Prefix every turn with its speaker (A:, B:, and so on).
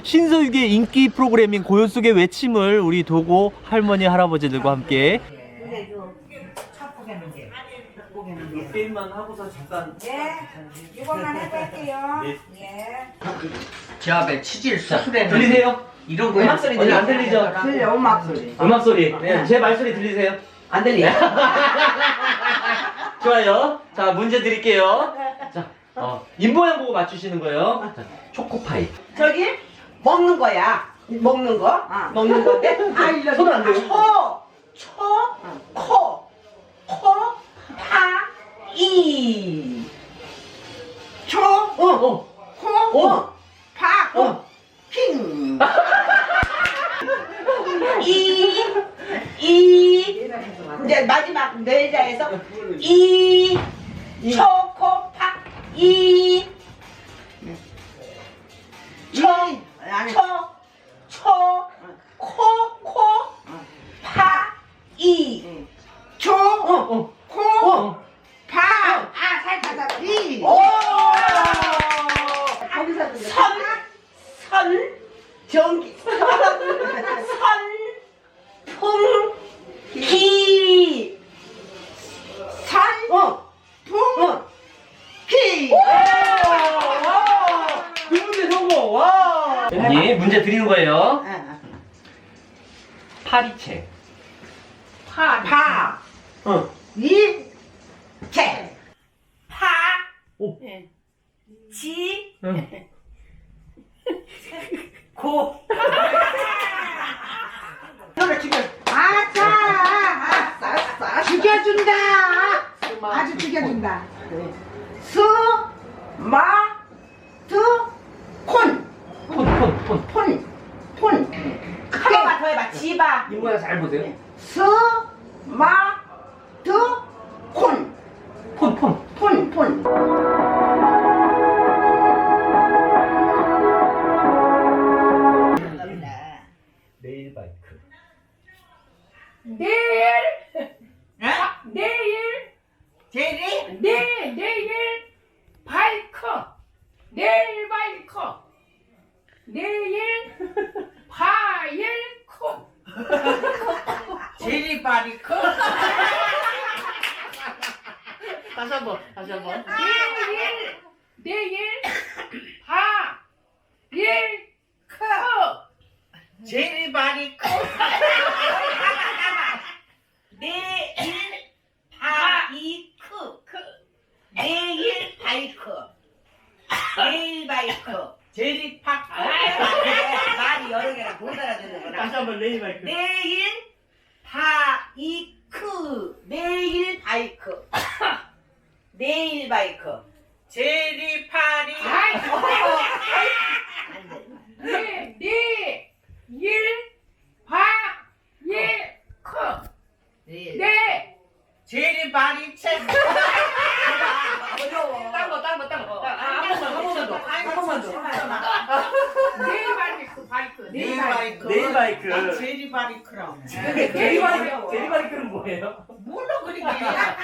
A: 신서유기의 인기 프로그램인 고요 속의 외침을 우리 도고 할머니 할아버지들과 함께 게임만 하고서 잠깐
B: 이것만 해볼게요.
C: 제 앞에 치질서
A: 들리세요?
C: 이런 거야.
A: 음악 소리 안 들리죠?
B: 들려, 음악 소리.
A: 음악 소리. 네, 제 말소리 들리세요?
C: 안 들려.
A: 좋아요. 자, 문제 드릴게요. 자, 입모양 보고 맞추시는 거예요. 자, 초코파이.
B: 저기 먹는 거야. 먹는 거? 먹는 건데.
A: 손은 안 돼요.
B: 이. 초,
A: 어.
B: 코, 파, 핑. 이제 마지막 내자에서 초코파 살짝
A: 오!
B: 전기
A: 그 문제 성공! 와! 예, 문제 드리는 거예요. 파리채.
B: 채
A: 오.
B: 고 너를 죽여 아싸 죽여준다 아주 죽여준다 폰 하나만 더 해봐 지바
A: 입모양 잘 보세요.
B: 폰
A: 레일 바이크.
D: 내일 바이크 내일 바이크
B: 제리바리크
A: 다시 한번.
D: 내일
B: 제리바리크 내일 바이크 제리파크 말이 여러 개라 못 알아듣는구나
A: 다시 한번 레일 바이크.
B: 내일 바이크 제리파리 제리바리 채 어려워
A: 딴 거. 한 번만 더.
B: 내일 바이크
A: 내일 바이크.
B: 제리바리크라고
A: 제리바이크는 뭐예요?
B: 몰라 그러게